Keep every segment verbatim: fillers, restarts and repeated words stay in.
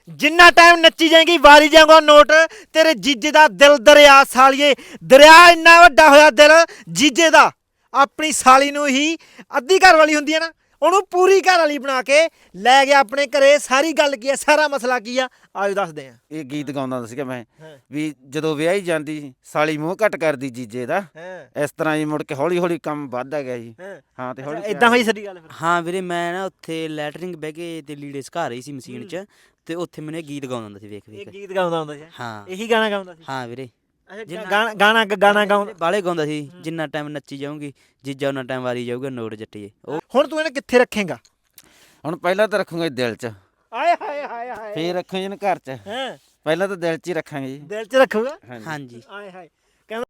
जिन्ना time नच्ची जाएगी वारी जाऊंगा नोट तेरे जीजे दा दिल दरिया सालिए दरिया इन्ना वड्डा होया दिल जीजे दा अपनी साली ਨੂੰ ही ਅੱਧੀ ਘਰ ਵਾਲੀ ਹੁੰਦੀ ਹੈ ਨਾ ਉਹਨੂੰ ਪੂਰੀ ਘਰ ਵਾਲੀ ਬਣਾ ਕੇ ਲੈ ਗਿਆ ਆਪਣੇ ਘਰੇ ਸਾਰੀ ਗੱਲ ਕੀ ਹੈ ਸਾਰਾ ਮਸਲਾ ਕੀ ਆ ਆਜੋ ਦੱਸਦੇ ਆ ਇਹ ਗੀਤ ਗਾਉਂਦਾ ਹੁੰਦਾ ਸੀਗਾ ਮੈਂ ਵੀ ਜਦੋਂ ਵਿਆਹੀ ਜਾਂਦੀ ਸਾਲੀ ਮੂੰਹ ਘੱਟ ਕਰਦੀ ਜੀਜੇ ਦਾ ਇਸ ਤਰ੍ਹਾਂ ਹੀ ਮੁੜ ਕੇ ਹੌਲੀ ਹੌਲੀ ਕੰਮ ਵੱਧਦਾ ਗਿਆ ਜੀ ਹਾਂ ਤੇ ਹੌਲੀ ਇਦਾਂ ਹੋਈ ਸਾਡੀ ਗੱਲ ਫਿਰ ਹਾਂ ਵੀਰੇ ਮੈਂ ਨਾ ਉੱਥੇ ਲੈਟਰਿੰਗ ਬਹਿ ਕੇ ਤੇ ਲੀੜੇ ਸੁਕਾ ਰਹੀ ਸੀ ਮਸ਼ੀਨ 'ਚ ਤੇ ਉੱਥੇ ਮੈਨੂੰ ਇਹ ਗੀਤ ਗਾਉਂਦਾ ਹੁੰਦਾ ਸੀ ਵੇਖ ਇਹ ਵੇਖ ਗੀਤ ਗਾਉਂਦਾ ਹੁੰਦਾ ਸੀ ਹਾਂ ਇਹੀ ਗਾਣਾ ਗਾਉਂਦਾ ਸੀ ਹਾਂ ਵੀਰੇ ਅੱਛਾ ਗਾਣਾ ਗਾਣਾ ਗਾਣਾ ਗਾਉਂਦਾ ਬਾਲੇ ਗਾਉਂਦਾ ਸੀ ਜਿੰਨਾ ਟਾਈਮ ਨੱਚੀ ਜਾਊਂਗੀ ਜੀਜਾ ਉਹਨਾਂ ਟਾਈਮ ਵਾਰੀ ਜਾਊਗਾ ਨੋਟ ਜੱਟੀਏ ਉਹ ਹੁਣ ਤੂੰ ਇਹਨੂੰ ਕਿੱਥੇ ਰੱਖੇਂਗਾ ਹੁਣ ਪਹਿਲਾਂ ਤਾਂ ਰੱਖੂਗਾ ਦਿਲ 'ਚ ਆਏ ਹਾਏ ਹਾਏ ਹਾਏ ਫੇਰ ਰੱਖਾਂਗੇ ਇਹਨੂੰ ਘਰ 'ਚ ਹੈ ਪਹਿਲਾਂ ਤਾਂ ਦਿਲ 'ਚ ਹੀ ਰੱਖਾਂਗੇ ਜੀ ਦਿਲ 'ਚ ਰੱਖੂਗਾ ਹਾਂਜੀ ਆਏ ਹਾਏ ਕਹਿੰਦਾ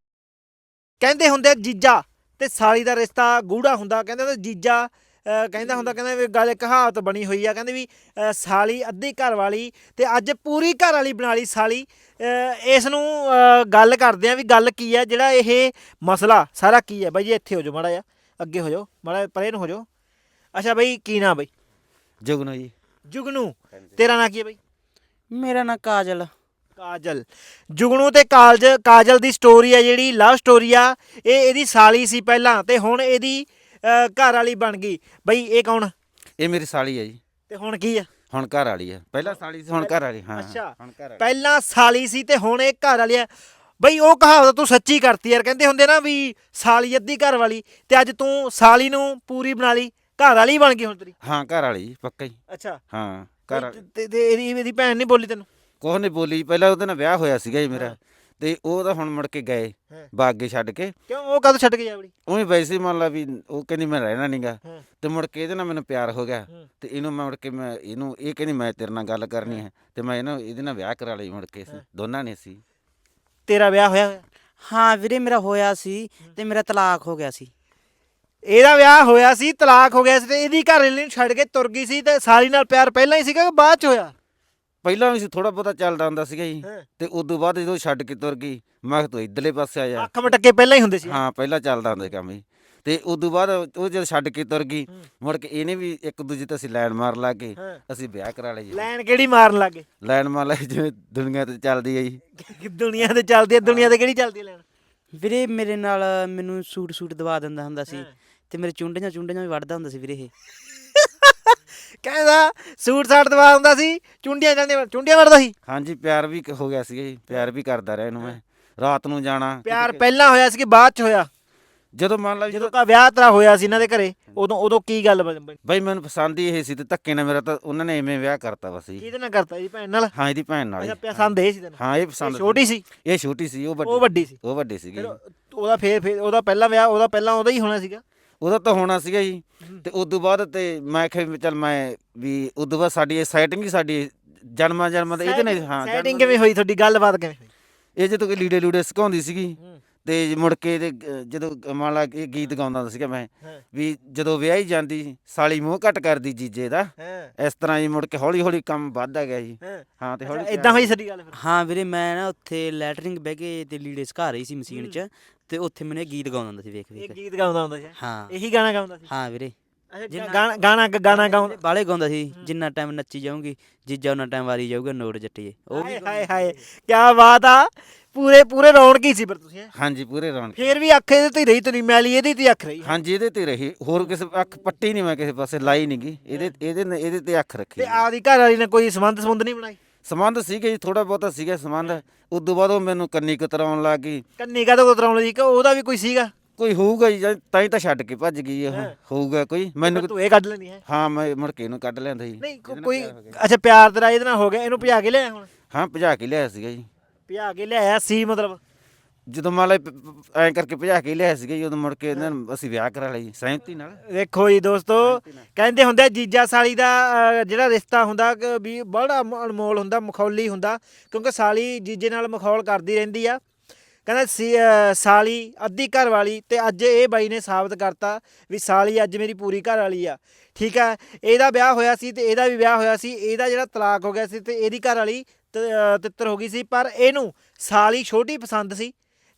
ਕਹਿੰਦੇ ਹੁੰਦੇ ਜੀਜਾ ਤੇ ਸਾਲੀ ਦਾ ਰਿਸ਼ਤਾ ਗੂੜਾ ਹੁੰਦਾ ਕਹਿੰਦੇ ਹੁੰਦੇ ਜੀਜਾ ਅਹ ਕਹਿੰਦਾ ਹੁੰਦਾ ਕਹਿੰਦਾ ਵੀ ਗੱਲ ਕਹਾਵਤ ਬਣੀ ਹੋਈ ਆ ਕਹਿੰਦੇ ਵੀ ਅਹ ਸਾਲੀ ਅੱਧੀ ਘਰ ਵਾਲੀ ਤੇ ਅੱਜ ਪੂਰੀ ਘਰ ਵਾਲੀ ਬਣਾ ਲਈ ਸਾਲੀ ਅਹ ਇਸ ਨੂੰ ਅਹ ਗੱਲ ਕਰਦੇ ਆ ਵੀ ਗੱਲ ਕੀ ਆ ਜਿਹੜਾ ਇਹ ਮਸਲਾ ਸਾਰਾ ਕੀ ਹੈ ਬਾਈ ਜੀ ਇੱਥੇ ਹੋ ਜਾਓ ਮਾੜਾ ਜਿਹਾ ਅੱਗੇ ਹੋ ਜਾਓ ਮਾੜਾ ਪਰੇ ਨੂੰ ਹੋ ਜਾਓ ਅੱਛਾ ਬਾਈ ਕੀ ਨਾਂ ਬਾਈ ਜੁਗਨੂ ਜੀ ਜੁਗਨੂ ਤੇਰਾ ਨਾਂ ਕੀ ਹੈ ਬਾਈ ਮੇਰਾ ਨਾਂ ਕਾਜਲ ਕਾਜਲ ਜੁਗਨੂ ਤੇ ਕਾਲਜ ਕਾਜਲ ਦੀ ਸਟੋਰੀ ਆ ਜਿਹੜੀ ਲਵ ਸਟੋਰੀ ਆ ਇਹ ਇਹਦੀ ਸਾਲੀ ਸੀ ਪਹਿਲਾਂ ਤੇ ਹੁਣ ਇਹਦੀ ਅਹ ਘਰ ਵਾਲੀ ਬਣ ਗਈ ਬਈ ਇਹ ਕੌਣ ਇਹ ਮੇਰੀ ਸਾਲੀ ਹੈ ਜੀ ਤੇ ਹੁਣ ਕੀ ਆ ਹੁਣ ਘਰ ਵਾਲੀ ਆ ਪਹਿਲਾਂ ਸਾਲੀ ਸੀ ਹੁਣ ਘਰ ਵਾਲੀ ਹਾਂ ਅੱਛਾ ਹੁਣ ਘਰ ਵਾਲੀ ਪਹਿਲਾਂ ਸਾਲੀ ਸੀ ਤੇ ਹੁਣ ਇਹ ਘਰ ਵਾਲੀ ਆ ਬਈ ਉਹ ਕਹਾਵਤ ਤੂੰ ਸੱਚੀ ਕਰਤੀ ਯਾਰ ਕਹਿੰਦੇ ਹੁੰਦੇ ਨਾ ਵੀ ਸਾਲੀ ਅੱਧੀ ਘਰ ਵਾਲੀ ਤੇ ਅੱਜ ਤੂੰ ਸਾਲੀ ਨੂੰ ਪੂਰੀ ਬਣਾ ਲਈ ਘਰ ਵਾਲੀ ਬਣ ਗਈ ਹੁਣ ਤੇਰੀ ਹਾਂ ਘਰ ਵਾਲੀ ਜੀ ਪੱਕਾ ਹੀ ਅੱਛਾ ਹਾਂ ਘਰ ਤੇ- ਤੇ ਤੇ ਇਹਦੀ ਇਹਦੀ ਭੈਣ ਨਹੀਂ ਬੋਲੀ ਤੈਨੂੰ ਕੁਛ ਨਹੀਂ ਬੋਲੀ ਪਹਿਲਾਂ ਉਹਦੇ ਨਾਲ ਵਿਆਹ ਹੋਇਆ ਸੀਗਾ ਜੀ ਮੇਰਾ ਤੇ ਉਹ ਤਾਂ ਹੁਣ ਮੁੜ ਕੇ ਗਏ ਹਾਂ। ਬਾਗੇ ਛੱਡ ਕੇ ਕਿਉਂ ਉਹ ਕਦੋਂ ਛੱਡ ਕੇ ਜਾਵੜੀ ਉਹੀ ਵੈਸੇ ਹੀ ਮੰਨ ਲਾ ਵੀ ਉਹ ਕਹਿੰਦੀ ਮੈਂ ਰਹਿਣਾ ਨਹੀਂਗਾ ਹਾਂ। ਤੇ ਮੁੜ ਕੇ ਇਹਦੇ ਨਾਲ ਮੈਨੂੰ ਪਿਆਰ ਹੋ ਗਿਆ ਹਾਂ। ਤੇ ਇਹਨੂੰ ਮੈਂ ਮੁੜ ਕੇ ਮੈਂ ਇਹਨੂੰ ਇਹ ਕਹਿੰਦੀ ਮੈਂ ਤੇਰੇ ਨਾਲ ਗੱਲ ਕਰਨੀ ਹੈ ਤੇ ਮੈਂ ਇਹਨੂੰ ਇਹਦੇ ਨਾਲ ਵਿਆਹ ਕਰਾ ਲਈ ਮੁੜ ਕੇ ਅਸੀਂ ਦੋਨਾਂ ਨੇ ਸੀ ਤੇਰਾ ਵਿਆਹ ਹੋਇਆ ਹੋਇਆ ਹਾਂ ਵੀਰੇ ਮੇਰਾ ਹੋਇਆ ਸੀ ਤੇ ਮੇਰਾ ਤਲਾਕ ਹੋ ਗਿਆ ਸੀ ਇਹਦਾ ਵਿਆਹ ਹੋਇਆ ਸੀ ਤਲਾਕ ਹੋ ਗਿਆ ਸੀ ਤੇ ਇਹਦੀ ਘਰ ਵਾਲੀ ਨੂੰ ਛੱਡ ਕੇ ਤੁਰ ਗਈ ਸੀ ਤੇ ਸਾਲੀ ਨਾਲ ਪਿਆਰ ਪਹਿਲਾਂ ਹੀ ਸੀਗਾ ਕਿ ਬਾਅਦ ਚ ਹੋਇਆ ਪਹਿਲਾਂ ਵੀ ਸੀ ਥੋੜਾ ਬਹੁਤਾ ਚੱਲਦਾ ਹੁੰਦਾ ਸੀਗਾ ਜੀ ਹਾਂ। ਤੇ ਉਦੋਂ ਬਾਅਦ ਜਦੋਂ ਛੱਡ ਕੇ ਤੁਰ ਗਈ ਮੈਂ ਕਿਹਾ ਤੂੰ ਇੱਧਰਲੇ ਪਾਸੇ ਆ ਜਾ ਅੱਖ ਮਟਕੇ ਪਹਿਲਾਂ ਹੀ ਹੁੰਦੇ ਸੀ ਹਾਂ ਪਹਿਲਾਂ ਚੱਲਦਾ ਹੁੰਦਾ ਸੀ ਕੰਮ ਜੀ ਤੇ ਉਦੋਂ ਬਾਅਦ ਉਹ ਜਦ ਛੱਡ ਕੇ ਤੁਰ ਗਈ ਹੂੰ। ਮੁੜ ਕੇ ਇਹਨੇ ਵੀ ਇੱਕ ਦੂਜੇ ਤੇ ਅਸੀਂ ਲੈਣ ਮਾਰ ਲਾ ਕੇ ਹਾਂ। ਅਸੀਂ ਵਿਆਹ ਕਰਾ ਲਈ ਜੀ ਲੈਣ ਕਿਹੜੀ ਮਾਰਨ ਲੱਗੇ ਲੈਣ ਮਾਰ ਲਈ ਜਿਵੇਂ ਦੁਨੀਆ ਤੇ ਚੱਲਦੀ ਹੈ ਜੀ ਦੁਨੀਆ ਤੇ ਚੱਲਦੀ ਹੈ ਦੁਨੀਆ ਤੇ ਕਿਹੜੀ ਚੱਲਦੀ ਹੈ ਲੈਣ ਵੀਰੇ ਮੇਰੇ ਨਾਲ ਮੈਨੂੰ ਸੂਟ ਸੂਟ ਦਵਾ ਦਿੰਦਾ ਹੁੰਦਾ ਸੀ ਹਾਂ। ਤੇ ਮੇਰੇ ਚੁੰਡੀਆਂ ਚੁੰਡੀਆਂ ਵੀ ਵੱਢਦਾ ਹੁੰਦਾ ਸੀ ਵੀਰੇ ਇਹ ਕਹਿੰਦਾ ਸੂਟ ਸਾਟ ਦਵਾ ਹੁੰਦਾ ਸੀ ਚੁੰਡੀਆਂ ਜਾਂਦੀਆਂ ਚੁੰਡੀਆਂ ਵੜਦਾ ਸੀ ਹਾਂਜੀ ਪਿਆਰ ਵੀ ਹੋ ਗਿਆ ਸੀਗਾ ਜੀ ਪਿਆਰ ਵੀ ਕਰਦਾ ਰਿਹਾ ਇਹਨੂੰ ਮੈਂ ਰਾਤ ਨੂੰ ਜਾਣਾ ਪਿਆਰ ਪਹਿਲਾਂ ਹੋਇਆ ਸੀ ਕਿ ਬਾਅਦ ਚ ਹੋਇਆ ਜਦੋਂ ਮੰਨ ਲਾ ਜਦੋਂ ਜਦੋਂ ਕਾ ਵਿਆਹ ਤੇਰਾ ਹੋਇਆ ਸੀ ਇਹਨਾਂ ਦੇ ਘਰੇ ਉਦੋਂ ਉਦੋਂ ਕੀ ਗੱਲ ਬਣ- ਬਣੀ? ਬਈ ਮੈਨੂੰ ਪਸੰਦ ਹੀ ਇਹ ਸੀ ਤੇ ਧੱਕੇ ਨਾਲ ਮੇਰਾ ਤਾਂ ਉਹਨਾਂ ਨੇ ਐਵੇਂ ਵਿਆਹ ਕਰਤਾ ਬਸ ਜੀ ਕਿਹਦੇ ਨਾਲ ਕਰਤਾ ਜੀ ਭੈਣ ਨਾਲ ਹਾਂ ਇਹਦੀ ਭੈਣ ਨਾਲ ਅੱਛਾ ਹੀ। ਪਸੰਦ ਇਹ ਸੀ ਤੈਨੂੰ ਹਾਂ ਇਹ ਇਹ ਪਸੰਦ ਛੋਟੀ ਸੀ ਇਹ ਛੋਟੀ ਸੀ ਉਹ ਉਹ ਵੱਡੀ ਵੱਡੀ ਸੀ ਉਹ ਵੱਡੀ ਸੀਗੀ ਫਿਰ ਉਹਦਾ ਫੇਰ ਫੇਰ ਉਹਦਾ ਪਹਿਲਾ ਵਿਆਹ ਉਹਦਾ ਪਹਿਲਾਂ ਉਹਦਾ ਹੀ ਹੋਣਾ ਸੀਗਾ ਉਹਦਾ ਤਾਂ ਹੋਣਾ ਸੀਗਾ ਜੀ ਤੇ ਉਦੋਂ ਬਾਅਦ ਤੇ ਮੈਂ ਕਿਹਾ ਵੀ ਚੱਲ ਮੈਂ ਵੀ ਉਦੋਂ ਬਾਅਦ ਸਾਡੀ ਇਹ ਸੈਟਿੰਗ ਹੀ ਸਾਡੀ ਜਨਮਾਂ ਜਨਮਾਂ ਦਾ ਇਹਦੇ ਨਾਲ ਹਾਂ ਸੈਟਿੰਗ ਜਨਮਾਂ ਕਿਵੇਂ ਹੋਈ ਤੁਹਾਡੀ ਗੱਲਬਾਤ ਕਿਵੇਂ ਹੋਈ ਇਹ ਜਦੋਂ ਕੋਈ ਲੀੜੇ ਲੂੜੇ ਸਿਕਾਉਂਦੀ ਸੀਗੀ ਹੂੰ। ਤੇ ਮੁੜ ਕੇ ਇਹਦੇ ਅਹ ਜਦੋਂ ਮੰਨ ਲਾ ਇਹ ਗੀਤ ਗਾਉਂਦਾ ਹੁੰਦਾ ਸੀਗਾ ਮੈਂ ਹਾਂ। ਵੀ ਜਦੋਂ ਵਿਆਹੀ ਜਾਂਦੀ ਸਾਲੀ ਮੂੰਹ ਘੱਟ ਕਰਦੀ ਜੀਜੇ ਦਾ ਹਾਂ ਇਸ ਤਰ੍ਹਾਂ ਹੀ ਮੁੜ ਕੇ ਹੌਲੀ ਹੌਲੀ ਕੰਮ ਵੱਧਦਾ ਗਿਆ ਜੀ ਹਾਂ ਹਾਂ ਤੇ ਹੌਲੀ ਇਦਾਂ ਹੋਈ ਸਾਡੀ ਗੱਲ ਫਿਰ ਹਾਂ ਵੀਰੇ ਮੈਂ ਨਾ ਉੱਥੇ ਲੈਟਰਿੰਗ ਬਹਿ ਕੇ ਤੇ ਲੀੜੇ ਸੁਕਾ ਰਹੀ ਸੀ ਮਸ਼ੀਨ 'ਚ ਤੇ ਉੱਥੇ ਮੈਨੂੰ ਇਹ ਗੀਤ ਗਾਉਂਦਾ ਹੁੰਦਾ ਸੀ ਵੇਖ ਇਹ ਵੇਖ ਗੀਤ ਗਾਉਂਦਾ ਹੁੰਦਾ ਸੀ ਹਾਂ ਇਹੀ ਗਾਣਾ ਗਾਉਂਦਾ ਸੀ ਹਾਂ ਵੀਰੇ ਅੱਛਾ ਗਾਣਾ ਗਾਣਾ ਗਾਣਾ ਗਾਉਂਦਾ ਬਾਲੇ ਗਾਉਂਦਾ ਸੀ ਜਿੰਨਾ ਟਾਈਮ ਨੱਚੀ ਜਾਊਂਗੀ ਜੀਜਾ ਉਹਨਾਂ ਟਾਈਮ ਵਾਰੀ ਜਾਊਗਾ ਨੋਟ ਜੱਟੀਏ ਉਹ ਵੀ ਹਾਏ ਹਾਏ ਹਾਏ ਕੀ ਬਾਤ ਆ ਪੂਰੇ ਪੂਰੇ ਰੌਣਕ ਹੀ ਸੀ ਫਿਰ ਤੁਸੀਂ ਹੈਂ? ਹਾਂਜੀ ਪੂਰੇ ਰੌਣਕ ਫੇਰ ਵੀ ਅੱਖ ਇਹਦੇ ਤੇ ਰਹੀ ਤੇਰੀ ਮੈਲੀ ਇਹਦੀ ਤੇ ਅੱਖ ਰਹੀ ਹਾਂਜੀ ਇਹਦੇ ਤੇ ਰਹੀ ਹੋਰ ਕਿਸੇ ਅੱਖ ਪੱਟੀ ਨਹੀਂ ਮੈਂ ਕਿਸੇ ਪਾਸੇ ਲਾਈ ਨਹੀਂ ਗੀ ਇਹਦੇ ਇਹਦੇ ਨੇ- ਇਹਦੇ ਤੇ ਅੱਖ ਰੱਖੀ ਤੇ ਆਪਦੀ ਘਰ ਵਾਲੀ ਨੇ ਕੋਈ ਸੰਬੰਧ ਸੰਬੰਧ ਨਹੀਂ ਬਣਾਈ ਸੰਬੰਧ ਸੀਗੇ ਜੀ ਥੋੜਾ ਬਹੁਤਾ ਸੀਗਾ ਸੰਬੰਧ ਉਦੋਂ ਬਾਅਦ ਉਹ ਮੈਨੂੰ ਕੰਨੀ ਕਤਰਾਉਣ ਲੱਗ ਗਈ ਕੰਨੀ ਕਾ ਤੋਂ ਕਤਰਾਉਣ ਲਈ ਕਿ ਉਹਦਾ ਵੀ ਕੋਈ ਸੀਗਾ ਕੋਈ ਹੋਊਗਾ ਜੀ ਜਾਂ ਤਾਂ ਹੀ ਤਾਂ ਛੱਡ ਕੇ ਭੱਜ ਗਈ ਉਹ ਹਾਂ। ਹੋਊਗਾ ਕੋਈ ਮੈਨੂੰ ਤੂੰ ਇਹ ਕੱਢ ਲੈਣੀ ਹੈ ਹਾਂ ਮੈਂ ਮੁੜ ਕੇ ਇਹਨੂੰ ਕੱਢ ਲਿਆਂਦਾ ਜੀ ਨਹੀਂ ਕੋ- ਇਹਦੇ ਨਾਲ ਕੋਈ ਪਿਆਰ ਹੋ ਗਿਆ। ਅੱਛਾ ਪਿਆਰ ਤੇਰਾ ਇਹਦੇ ਨਾਲ ਹੋ ਗਿਆ ਇਹਨੂੰ ਭਜਾ ਕੇ ਲਿਆਇਆ ਹੁਣ ਹਾਂ ਭਜਾ ਕੇ ਲਿਆਇਆ ਸੀਗਾ ਜੀ ਭਜਾ ਕੇ ਲਿਆਇਆ ਸੀ ਮਤਲਬ ਜਦੋਂ ਮੰਨ ਲਾ ਐਂ ਕਰਕੇ ਭਜਾ ਕੇ ਲਿਆਇਆ ਸੀਗਾ ਜੀ ਉਦੋਂ ਮੁੜ ਕੇ ਇਹਨਾਂ ਨੂੰ ਅਸੀਂ ਵਿਆਹ ਕਰਾ ਲਈ ਸਹਿਮਤੀ ਨਾਲ ਦੇਖੋ ਜੀ ਦੋਸਤੋ ਕਹਿੰਦੇ ਹੁੰਦੇ ਆ ਜੀਜਾ ਸਾਲੀ ਦਾ ਅਹ, ਜਿਹੜਾ ਰਿਸ਼ਤਾ ਹੁੰਦਾ ਕਿ ਵੀ ਬੜਾ ਮ- ਅਨਮੋਲ ਹੁੰਦਾ ਮਖੌਲੀ ਹੁੰਦਾ ਕਿਉਂਕਿ ਸਾਲੀ ਜੀਜੇ ਨਾਲ ਮਖੌਲ ਕਰਦੀ ਰਹਿੰਦੀ ਆ ਕਹਿੰਦਾ ਸੀ ਅਹ, ਸਾਲੀ ਅੱਧੀ ਘਰ ਵਾਲੀ ਤੇ ਅੱਜ ਇਹ ਬਾਈ ਨੇ ਸਾਬਤ ਕਰਤਾ ਵੀ ਸਾਲੀ ਅੱਜ ਮੇਰੀ ਪੂਰੀ ਘਰ ਵਾਲੀ ਆ ਠੀਕ ਆ ਇਹਦਾ ਵਿਆਹ ਹੋਇਆ ਸੀ ਤੇ ਇਹਦਾ ਵੀ ਵਿਆਹ ਹੋਇਆ ਸੀ ਇਹਦਾ ਜਿਹੜਾ ਤਲਾਕ ਹੋ ਗਿਆ ਸੀ ਤੇ ਇਹਦੀ ਘਰ ਵਾਲੀ ਤ- ਅਹ, ਤਿੱਤਰ ਹੋ ਗਈ ਸੀ ਪਰ ਇਹਨੂੰ ਸਾਲੀ ਛੋਟੀ ਪਸੰਦ ਸੀ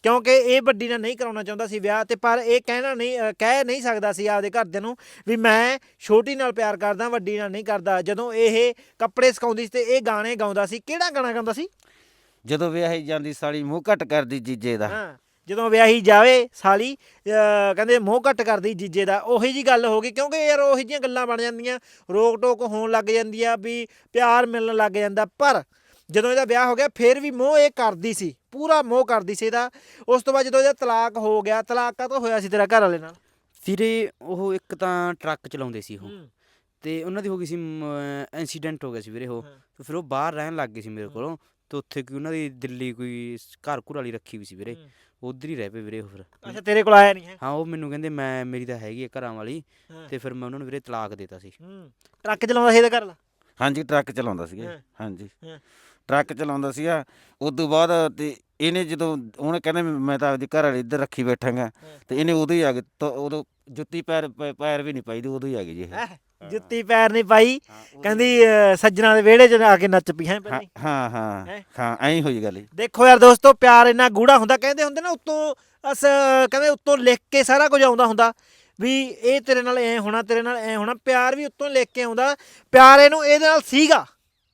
ਕਿਉਂਕਿ ਇਹ ਵੱਡੀ ਨਾਲ ਨਹੀਂ ਕਰਾਉਣਾ ਚਾਹੁੰਦਾ ਸੀ ਵਿਆਹ, ਤੇ ਪਰ ਇਹ ਕਹਿਣਾ ਨਹੀਂ ਅ, ਕਹਿ ਨਹੀਂ ਸਕਦਾ ਸੀ ਆਪਦੇ ਘਰਦਿਆਂ ਨੂੰ ਵੀ ਮੈਂ ਛੋਟੀ ਨਾਲ ਪਿਆਰ ਕਰਦਾ, ਵੱਡੀ ਨਾਲ ਨਹੀਂ ਕਰਦਾ। ਜਦੋਂ ਇਹ ਕੱਪੜੇ ਸਿਖਾਉਂਦੀ ਸੀ ਤੇ ਇਹ ਗਾਣੇ ਗਾਉਂਦਾ ਸੀ। ਕਿਹੜਾ ਗਾਣਾ ਗਾਉਂਦਾ ਸੀ? ਜਦੋਂ ਵਿਆਹੀ ਜਾਂਦੀ ਸਾਲੀ ਮੂੰਹ ਘੱਟ ਕਰਦੀ ਜੀਜੇ ਦਾ। ਹਾਂ, ਜਦੋਂ ਵਿਆਹੀ ਜਾਵੇ ਸਾਲੀ ਅਹ ਕਹਿੰਦੇ ਮੋਹ ਘੱਟ ਕਰਦੀ ਜੀਜੇ ਦਾ। ਉਹੀ ਜੀ ਗੱਲ ਹੋ ਗਈ, ਕਿਉਂਕਿ ਯਾਰ ਉਹੀ ਜਿਹੀਆਂ ਗੱਲਾਂ ਬਣ ਜਾਂਦੀਆਂ, ਰੋਕ ਟੋਕ ਹੋਣ ਲੱਗ ਜਾਂਦੀ ਆ, ਵੀ ਪਿਆਰ ਮਿਲਣ ਲੱਗ ਜਾਂਦਾ। ਪਰ ਜਦੋਂ ਇਹਦਾ ਵਿਆਹ ਹੋ ਗਿਆ ਫਿਰ ਵੀ ਮੋਹ ਇਹ ਕਰਦੀ ਸੀ, ਪੂਰਾ ਮੋਹ ਕਰਦੀ ਸੀ ਇਹਦਾ। ਉਸ ਤੋਂ ਬਾਅਦ ਜਦੋਂ ਇਹਦਾ ਤਲਾਕ ਹੋ ਗਿਆ, ਤਲਾਕ ਕਾਹਤੋਂ ਹੋਇਆ ਸੀ ਤੇਰਾ ਘਰ ਵਾਲੇ ਨਾਲ? ਵੀਰੇ ਉਹ ਇੱਕ ਤਾਂ ਟਰੱਕ ਚਲਾਉਂਦੇ ਸੀ ਉਹ, ਹੂੰ। ਤੇ ਉਹਨਾਂ ਦੀ ਹੋ ਗਈ ਸੀ ਐਕਸੀਡੈਂਟ ਹੋ ਗਿਆ ਸੀ ਵੀਰੇ ਉਹ, ਹਾਂ। ਤੇ ਫਿਰ ਉਹ ਬਾਹਰ ਰਹਿਣ ਲੱਗ ਗਏ ਸੀ ਮੇਰੇ ਕੋਲੋਂ। ਤੇ ਉੱਥੇ ਕੋਈ ਉਹਨਾਂ ਦੀ ਦਿੱਲੀ ਕੋਈ ਸ- ਘਰ ਘੁਰ ਵਾਲੀ ਰੱਖੀ ਵੀ ਸੀ ਵੀਰੇ, ਉੱਧਰ ਹੀ ਰਹਿ ਪਏ ਵੀਰੇ ਉਹ ਫਿਰ। ਅੱਛਾ, ਤੇਰੇ ਕੋਲ ਆਇਆ ਨਹੀਂ ਹੈ? ਹਾਂ, ਉਹ ਮੈਨੂੰ ਕਹਿੰਦੇ ਮੈਂ ਮੇਰੀ ਤਾਂ ਹੈਗੀ ਆ ਘਰਾਂ ਵਾਲੀ, ਹਾਂ। ਤੇ ਫਿਰ ਮੈਂ ਉਹਨਾਂ ਨੂੰ ਵੀਰੇ ਤਲਾਕ ਦੇਤਾ ਸੀ। ਹੂੰ। ਟਰੱਕ ਚਲਾਉਂਦਾ ਸੀ ਇਹਦਾ ਘਰ ਵਾਲਾ? ਹਾਂਜੀ ਟਰੱਕ ਚਲਾਉਂਦਾ ਸੀਗਾ ਜੀ। ਹਾਂ। ਹਾਂਜੀ ਹਾਂ। ਟਰੱਕ ਚਲਾਉਂਦਾ ਸੀਗਾ। ਉਦੋਂ ਬਾਅਦ ਤੇ ਇਹਨੇ ਜਦੋਂ ਉਹਨੇ ਕਹਿੰਦਾ ਵੀ ਮੈਂ ਤਾਂ ਆਪਦੀ ਘਰ ਵਾਲੀ ਇੱਧਰ ਰੱਖੀ ਬੈਠਾਂਗਾ, ਤੇ ਇਹਨੇ ਉਦੋਂ ਹੀ ਆ ਗਏ। ਤਾਂ ਉਦੋਂ ਜੁੱਤੀ ਪੈਰ ਪ- ਪੈਰ ਵੀ ਨਹੀਂ ਪਾਈ ਦੀ, ਉਦੋਂ ਹੀ ਆ ਗਈ ਜੀ ਇਹ। ਹੈਂ? ਜੁੱਤੀ ਪੈਰ ਨਹੀਂ ਪਾਈ, ਹਾਂ, ਉਦੋਂ- ਕਹਿੰਦੀ ਅਹ, ਸੱਜਣਾ ਦੇ ਵਿਹੜੇ 'ਚ ਆ ਕੇ ਨੱਚ ਪਈ ਹੈ ਹਾਂ ਪਹਿਲਾਂ ਹੀ। ਹਾਂ ਹਾਂ ਹੈਂ? ਹਾਂ ਐਂ ਹੋਈ ਗੱਲ ਜੀ। ਦੇਖੋ ਯਾਰ ਦੋਸਤੋ, ਪਿਆਰ ਇੰਨਾ ਗੂੜਾ ਹੁੰਦਾ। ਕਹਿੰਦੇ ਹੁੰਦੇ ਨਾ ਉੱਤੋਂ ਅਸ ਕਹਿੰਦੇ ਉੱਤੋਂ ਲਿਖ ਕੇ ਸਾਰਾ ਕੁਝ ਆਉਂਦਾ ਹੁੰਦਾ, ਵੀ ਇਹ ਤੇਰੇ ਨਾਲ ਐ ਹੋਣਾ, ਤੇਰੇ ਨਾਲ ਐ ਹੋਣਾ। ਪਿਆਰ ਵੀ ਉੱਤੋਂ ਲਿਖ ਕੇ ਆਉਂਦਾ। ਪਿਆਰ ਇਹਨੂੰ ਇਹਦੇ ਨਾਲ ਸੀਗਾ।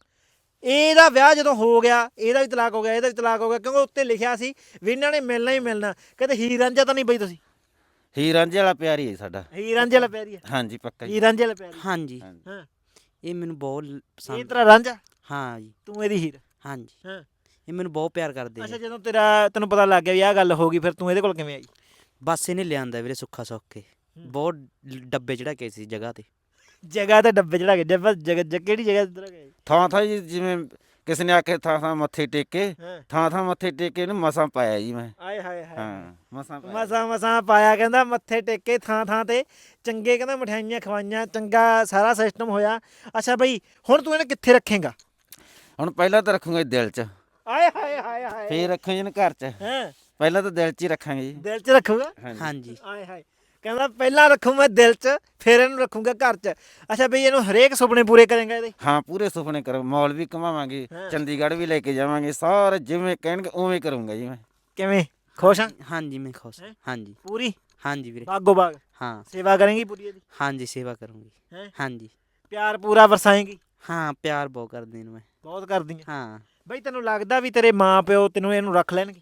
ਇਹਦਾ ਵਿਆਹ ਜਦੋਂ ਹੋ ਗਿਆ, ਇਹਦਾ ਵੀ ਤਲਾਕ ਹੋ ਗਿਆ, ਇਹਦਾ ਵੀ ਤਲਾਕ ਹੋ ਗਿਆ, ਕਿਉਂਕਿ ਉੱਤੇ ਲਿਖਿਆ ਸੀ ਵੀ ਇਹਨਾਂ ਨੇ ਮਿਲਣਾ ਹੀ ਮਿਲਣਾ। ਕਹਿੰਦੇ ਹੀਰ ਰਾਂਝਾ ਤਾਂ ਨਹੀਂ ਬਈ ਤੁਸੀਂ? ਹੀਰ ਰਾਂਝੇ ਵਾਲਾ ਪਿਆਰ ਹੀ ਹੈ ਸਾਡਾ। ਹੀਰ ਰਾਂਝੇ ਵਾਲਾ ਪਿਆਰੀ ਹੈ? ਹਾਂਜੀ ਪੱਕਾ ਜੀ। ਹੀਰ ਰਾਂਝੇ ਵਾਲਾ ਪਿਆਰੀ? ਹਾਂਜੀ, ਹਾਂਜੀ। ਹਾਂ। ਇਹ ਮੈਨੂੰ ਬਹੁਤ ਲ- ਇਹ ਪਸੰਦ। ਤੇਰਾ ਰਾਂਝਾ, ਹਾਂ ਜੀ, ਤੂੰ ਇਹਦੀ ਹੀਰ? ਹਾਂਜੀ, ਹਾਂ। ਇਹ ਮੈਨੂੰ ਬਹੁਤ ਪਿਆਰ ਕਰਦੇ ਅੱਛਾ, ਆ। ਜਦੋਂ ਤੇਰਾ ਤੈਨੂੰ ਪਤਾ ਲੱਗ ਗਿਆ ਵੀ ਆਹ ਗੱਲ ਹੋ ਗਈ, ਫਿਰ ਤੂੰ ਇਹਦੇ ਕੋਲ ਕਿਵੇਂ ਆਈ? ਬਸ ਇਹਨੇ ਲਿਆਂਦਾ ਵੀਰੇ ਸੁੱਖਾ ਸੁੱਖ ਕੇ, ਬਹੁਤ ਲ- ਡੱਬੇ ਚੜਾ ਕੇ ਸੀ ਜਗ੍ਹਾ ਤੇ। ਜਗ੍ਹਾ ਤੇ ਡੱਬੇ ਚੜਾ ਕੇ? ਜਗ੍ਹਾ ਜਗ੍ਹਾ ਕਿਹੜੀ ਜਗ੍ਹਾ ਤੇ ਚੜਾ ਕੇ? ਥਾਂ ਥਾਂ ਜੀ, ਜਿਵੇਂ ਕਿਸੇ ਨੇ ਆਖੇ ਥਾਂ ਥਾਂ ਮੱਥੇ ਟੇਕੇ, ਹਾਂ। ਥਾਂ ਥਾਂ ਮੱਥੇ ਟੇਕੇ ਇਹਨੂੰ ਮਸਾਂ ਪਾਇਆ ਜੀ ਮੈਂ। ਆਏ ਹਾਏ ਹਾਏ। ਹਾਂ ਮਸਾਂ ਪਾਇਆ। ਮਸਾਂ ਮਸਾਂ ਪਾਇਆ, ਕਹਿੰਦਾ ਮੱਥੇ ਟੇਕੇ ਥਾਂ ਥਾਂ ਤੇ, ਚੰਗੇ ਕਹਿੰਦਾ ਮਠਿਆਈਆਂ ਖਵਾਈਆਂ, ਚੰਗਾ ਸਾਰਾ ਸਿਸਟਮ ਹੋਇਆ। ਅੱਛਾ ਬਈ, ਹੁਣ ਤੂੰ ਇਹਨੂੰ ਕਿੱਥੇ ਰੱਖੇਂਗਾ? ਹੁਣ ਪਹਿਲਾਂ ਤਾਂ ਰੱਖੂਗਾ ਜੀ ਦਿਲ 'ਚ, ਆਏ ਹਾਏ ਹਾਏ ਹਾਏ। ਫੇਰ ਰੱਖਾਂਗੇ ਇਹਨੂੰ ਘਰ 'ਚ। ਹੈਂ? ਪਹਿਲਾਂ ਤਾਂ ਦਿਲ 'ਚ ਹੀ ਰੱਖਾਂਗੇ ਜੀ। ਦਿਲ 'ਚ ਰੱਖੂਗਾ? ਹਾਂਜੀ ਹਾਂਜੀ, ਆਏ ਹਾਏ। ਕਹਿੰਦਾ ਪਹਿਲਾਂ ਰੱਖੂ ਮੈਂ ਦਿਲ 'ਚ, ਫਿਰ ਇਹਨੂੰ ਰੱਖੂਗਾ ਘਰ 'ਚ। ਅੱਛਾ ਬਈ, ਇਹਨੂੰ ਹਰੇਕ ਸੁਪਨੇ ਪੂਰੇ ਕਰੇਂਗਾ ਇਹਦੇ? ਹਾਂ ਪੂਰੇ ਸੁਪਨੇ ਕਰੋ। ਮੌਲ ਵੀ ਘੁਮਾਵਾਂਗੇ, ਹਾਂ। ਚੰਡੀਗੜ੍ਹ ਵੀ ਲੈ ਕੇ ਜਾਵਾਂਗੇ, ਸਾਰੇ ਜਿਵੇਂ ਕਹਿਣਗੇ ਉਵੇਂ ਕਰੂੰਗਾ ਜੀ ਮੈਂ। ਕਿਵੇਂ? ਖੁਸ਼ ਆ? ਹਾਂਜੀ ਮੈਂ ਖੁਸ਼। ਹੈਂ? ਹਾਂਜੀ, ਪੂਰੀ ਹਾਂਜੀ ਵੀਰੇ, ਬਾਗੋ ਬਾਗ ਹਾਂ ਸੇਵਾ ਕਰੇਂਗੀ ਪੂਰੀ ਇਹਦੀ? ਹਾਂਜੀ, ਸੇਵਾ ਕਰੂੰਗੀ। ਹੈਂ? ਹਾਂਜੀ, ਪਿਆਰ ਪੂਰਾ ਵਰਸਾਏਂਗੀ? ਹਾਂ ਪਿਆਰ ਬਹੁਤ ਕਰਦੇ ਨੇ ਮੈਂ। ਬਹੁਤ ਕਰਦੀ ਆ? ਹਾਂ, ਬਈ ਤੈਨੂੰ ਲੱਗਦਾ ਵੀ ਤੇਰੇ ਮਾਂ ਪਿਓ ਤੈਨੂੰ ਇਹਨੂੰ ਰੱਖ ਲੈਣਗੇ?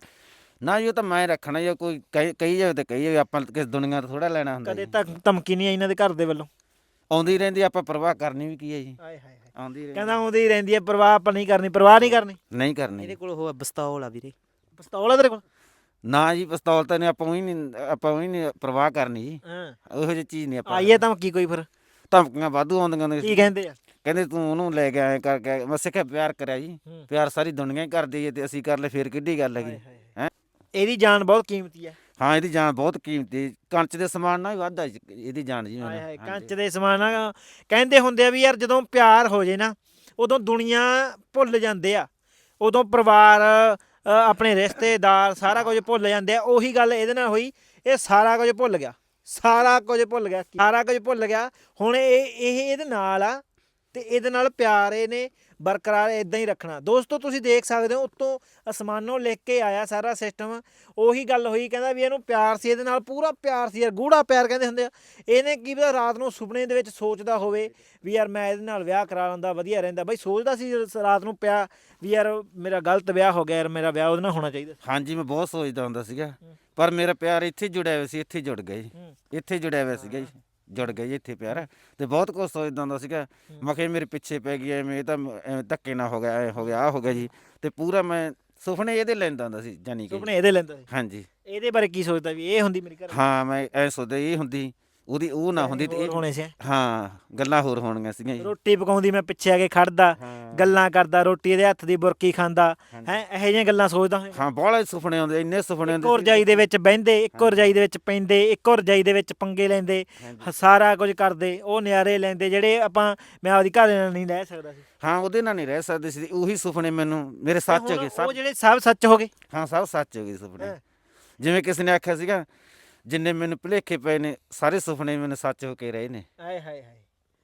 ਨਾ ਜੀ ਉਹ ਤਾਂ ਮੈਂ ਰੱਖਣਾ ਜੀ। ਕੋਈ ਕਹੀ ਕਹੀ ਜਾਵੇ ਤਾਂ ਕਹੀ ਜਾਵੇ, ਆਪਾਂ ਕਿਸ ਦੁਨੀਆ ਤੋਂ ਥੋੜਾ ਲੈਣਾ ਹੁੰਦਾ ਕਦੇ ਜੀ। ਤੱਕ ਧਮਕੀ ਨਹੀਂ ਆਈ ਇਹਨਾਂ ਦੇ ਘਰ ਦੇ ਵੱਲੋਂ? ਆਉਂਦੀ ਰਹਿੰਦੀ, ਆਪਾਂ ਪਰਵਾਹ ਕਰਨੀ ਵੀ ਕੀ ਹੈ ਜੀ। ਆਏ ਹਾਏ ਹਾਏ। ਆਉਂਦੀ ਰਹਿੰਦੀ, ਕਹਿੰਦਾ ਆਉਂਦੀ ਹੀ ਰਹਿੰਦੀ ਹੈ, ਪਰਵਾਹ ਆਪਾਂ ਨਹੀਂ ਕਰਨੀ, ਪਰਵਾਹ ਨਹੀਂ ਕਰਨੀ। ਨਹੀਂ ਕਰਨੀ ਇਹਦੇ ਜੀ। ਕੋਲ ਉਹ ਬਸਤੌਲ ਆ ਵੀਰੇ। ਪਿਸਤੌਲ ਆ ਤੇਰੇ ਕੋਲ? ਨਾ ਜੀ ਪਿਸਤੌਲ ਤਾਂ ਨਹੀਂ, ਆਪਾਂ ਉਹੀ ਨਹੀਂ ਆਪਾਂ ਉਹੀ ਨਹੀਂ ਪਰਵਾਹ ਕਰਨੀ ਜੀ। ਹਾਂ। ਉਹੋ ਜਿਹੀ ਚੀਜ਼ ਨਹੀਂ ਆਪਾਂ। ਆਈਏ ਧਮਕੀ ਕੋਈ ਫਿਰ? ਧਮਕੀਆਂ ਵਾਧੂ ਆਉਂਦੀਆਂ ਨੇ। ਕੀ ਕਹਿੰਦੇ ਆ? ਕਹਿੰਦੇ ਤੂੰ ਉਹਨੂੰ ਲੈ ਕੇ ਆਏ ਕਰਕੇ। ਮੈਂ ਸਿੱਖਿਆ ਪਿਆਰ ਕਰਿਆ ਜੀ। ਹੂੰ। ਪਿਆਰ ਸਾਰੀ ਦੁਨੀਆ ਹੀ ਕਰਦੀ ਹੈ, ਤੇ ਅਸੀਂ ਕਰ ਲੈ ਫੇਰ ਕਿੱਡੀ ਗੱਲ ਹੈਗੀ। ਹੈਂ? ਇਹਦੀ ਜਾਨ ਬਹੁਤ ਕੀਮਤੀ ਹੈ। ਹਾਂ ਇਹਦੀ ਜਾਨ ਬਹੁਤ ਕੀਮਤੀ, ਕੰਚ ਦੇ ਸਮਾਨ ਨਾਲ ਵੀ ਵੱਧ ਆ ਜੀ ਇਹਦੀ ਜਾਨ ਜੀ। ਹਾਏ ਹਾਏ, ਮੈਨੂੰ ਕੰਚ ਦੇ ਸਮਾਨ ਆ। ਕਹਿੰਦੇ ਹੁੰਦੇ ਆ ਵੀ ਯਾਰ ਜਦੋਂ ਪਿਆਰ ਹੋ ਜੇ ਨਾ, ਉਦੋਂ ਦੁਨੀਆ ਭੁੱਲ ਜਾਂਦੇ ਆ, ਉਦੋਂ ਪਰਿਵਾਰ ਅ, ਆਪਣੇ ਰਿਸ਼ਤੇਦਾਰ ਸਾਰਾ ਕੁਝ ਭੁੱਲ ਜਾਂਦੇ ਆ। ਉਹੀ ਗੱਲ ਇਹਦੇ ਨਾਲ ਹੋਈ, ਇਹ ਸਾਰਾ ਕੁਝ ਭੁੱਲ ਗਿਆ, ਸਾਰਾ ਕੁਝ ਭੁੱਲ ਗਿਆ, ਸਾਰਾ ਕੁਝ ਭੁੱਲ ਗਿਆ। ਹੁਣ ਇਹ ਇਹ ਇਹਦੇ ਨਾਲ ਆ, ਤੇ ਇਹਦੇ ਨਾਲ ਪਿਆਰ ਇਹਨੇ ਬਰਕਰਾਰ ਇਦਾਂ ਹੀ ਰੱਖਣਾ। ਦੋਸਤੋ ਤੁਸੀਂ ਦੇਖ ਸਕਦੇ ਹੋ, ਉੱਤੋਂ ਅਸਮਾਨੋਂ ਲਿਖ ਕੇ ਆਇਆ ਸਾਰਾ ਸਿਸਟਮ। ਉਹੀ ਗੱਲ ਹੋਈ, ਕਹਿੰਦਾ ਵੀ ਇਹਨੂੰ ਪਿਆਰ ਸੀ, ਇਹਦੇ ਨਾਲ ਪੂਰਾ ਪਿਆਰ ਸੀ ਯਾਰ, ਗੂੜਾ ਪਿਆਰ ਕਹਿੰਦੇ ਹੁੰਦੇ ਆ। ਇਹਨੇ ਕੀ ਪਤਾ ਰਾਤ ਨੂੰ ਸੁਪਨੇ ਦੇ ਵਿੱਚ ਸੋਚਦਾ ਹੋਵੇ ਵੀ ਯਾਰ ਮੈਂ ਇਹਦੇ ਨਾਲ ਵਿਆਹ ਕਰਾ ਲੈਂਦਾ, ਵਧੀਆ ਰਹਿੰਦਾ। ਬਈ ਸੋਚਦਾ ਸੀ ਰਾਤ ਨੂੰ ਪਿਆ ਵੀ ਯਾਰ ਮੇਰਾ ਗਲਤ ਵਿਆਹ ਹੋ ਗਿਆ, ਯਾਰ ਮੇਰਾ ਵਿਆਹ ਉਹਦੇ ਨਾਲ ਹੋਣਾ ਚਾਹੀਦਾ। ਹਾਂਜੀ ਮੈਂ ਬਹੁਤ ਸੋਚਦਾ ਹੁੰਦਾ ਸੀਗਾ, ਪਰ ਮੇਰਾ ਪਿਆਰ ਇੱਥੇ ਜੁੜਿਆ ਹੋਇਆ ਸੀ, ਇੱਥੇ ਜੁੜ ਗਿਆ ਜੀ। ਇੱਥੇ ਜੁੜਿਆ ਹੋਇਆ ਸੀਗਾ ਜੀ, ਜੁੜ ਗਿਆ ਜੀ ਇੱਥੇ ਪਿਆਰ। ਤੇ ਬਹੁਤ ਕੁਝ ਸੋਚਦਾ ਹੁੰਦਾ ਸੀਗਾ, ਮੈਂ ਕਿਹਾ ਮੇਰੇ ਪਿੱਛੇ ਪੈ ਗਈ ਐਵੇਂ, ਇਹ ਤਾਂ ਐਵੇਂ ਧੱਕੇ ਨਾ ਹੋ ਗਿਆ, ਐ ਹੋ ਗਿਆ, ਆ ਹੋ ਗਿਆ ਜੀ। ਤੇ ਪੂਰਾ ਮੈਂ ਸੁਪਨੇ ਇਹਦੇ ਲੈਂਦਾ ਹੁੰਦਾ ਸੀ, ਜਾਨੀ ਕਿ। ਸੁਪਨੇ ਇਹਦੇ ਲੈਂਦਾ ਸੀ? ਹਾਂਜੀ। ਇਹਦੇ ਬਾਰੇ ਕੀ ਸੋਚਦਾ ਵੀ ਇਹ ਹੁੰਦੀ ਮੇਰੀ ਘਰ? ਹਾਂ ਮੈਂ ਐ ਸੋਚਦਾ ਇਹ ਹੁੰਦੀ, ਉਹਦੀ ਉਹ ਨਾ ਹੁੰਦੀ ਤੇ ਹੋਰ ਇਹ ਹੋਣੇ ਸੀ। ਹਾਂ ਗੱਲਾਂ ਹੋਰ ਹੋਣੀਆਂ ਸੀਗੀਆਂ ਜੀ। ਰੋਟੀ ਪਕਾਉਂਦੀ, ਮੈਂ ਪਿੱਛੇ ਆ ਕੇ ਖੜਦਾ, ਹਾਂ। ਗੱਲਾਂ ਕਰਦਾ, ਰੋਟੀ ਇਹਦੇ ਹੱਥ ਦੀ ਬੁਰਕੀ ਖਾਂਦਾ ਹੈ, ਇਹੋ ਜਿਹੀਆਂ ਗੱਲਾਂ ਸੋਚਦਾ ਹੋਇਆ। ਹਾਂ ਬਹੁਤ ਸੁਪਨੇ ਆਉਂਦੇ, ਇੰਨੇ ਸੁਪਨੇ ਇੱਕੋ ਆਉਂਦੇ ਰਜਾਈ ਦੇ ਵਿੱਚ ਬਹਿੰਦੇ, ਇੱਕੋ ਰਜਾਈ ਦੇ ਵਿੱਚ ਪੈਂਦੇ, ਇੱਕੋ ਰਜਾਈ ਦੇ ਵਿੱਚ ਪੰਗੇ ਲੈਂਦੇ, ਹ- ਸਾਰਾ ਕੁਝ ਕਰਦੇ, ਉਹ ਨਿਆਰੇ ਲੈਂਦੇ ਜਿਹੜੇ ਆਪਾਂ ਮੈਂ ਆਪਦੀ ਘਰ ਨਾਲ ਨਹੀਂ ਰਹਿ ਸਕਦਾ ਸੀ। ਹਾਂ ਉਹਦੇ ਨਾਲ ਨਹੀਂ ਰਹਿ ਸਕਦੇ ਸੀ। ਉਹੀ ਸੁਪਨੇ ਮੈਨੂੰ ਮੇਰੇ ਸੱਚ ਹੋ ਗਏ ਉਹ ਸਭ। ਜਿਹੜੇ ਸਭ ਸੱਚ ਹੋ ਗਏ। ਹਾਂ ਸਭ ਸੱਚ ਹੋ ਗਏ ਸੁਪਨੇ। ਹੈਂ। ਜਿਵੇਂ ਕਿਸੇ ਨੇ ਆਖਿਆ ਸੀਗਾ, ਜਿੰਨੇ ਮੈਨੂੰ ਭੁਲੇਖੇ ਪਏ ਨੇ ਸਾਰੇ ਸੁਪਨੇ ਮੈਨੂੰ ਸੱਚ ਹੋ ਕੇ ਰਹੇ ਨੇ। ਆਏ ਹਾਏ ਹਾਏ,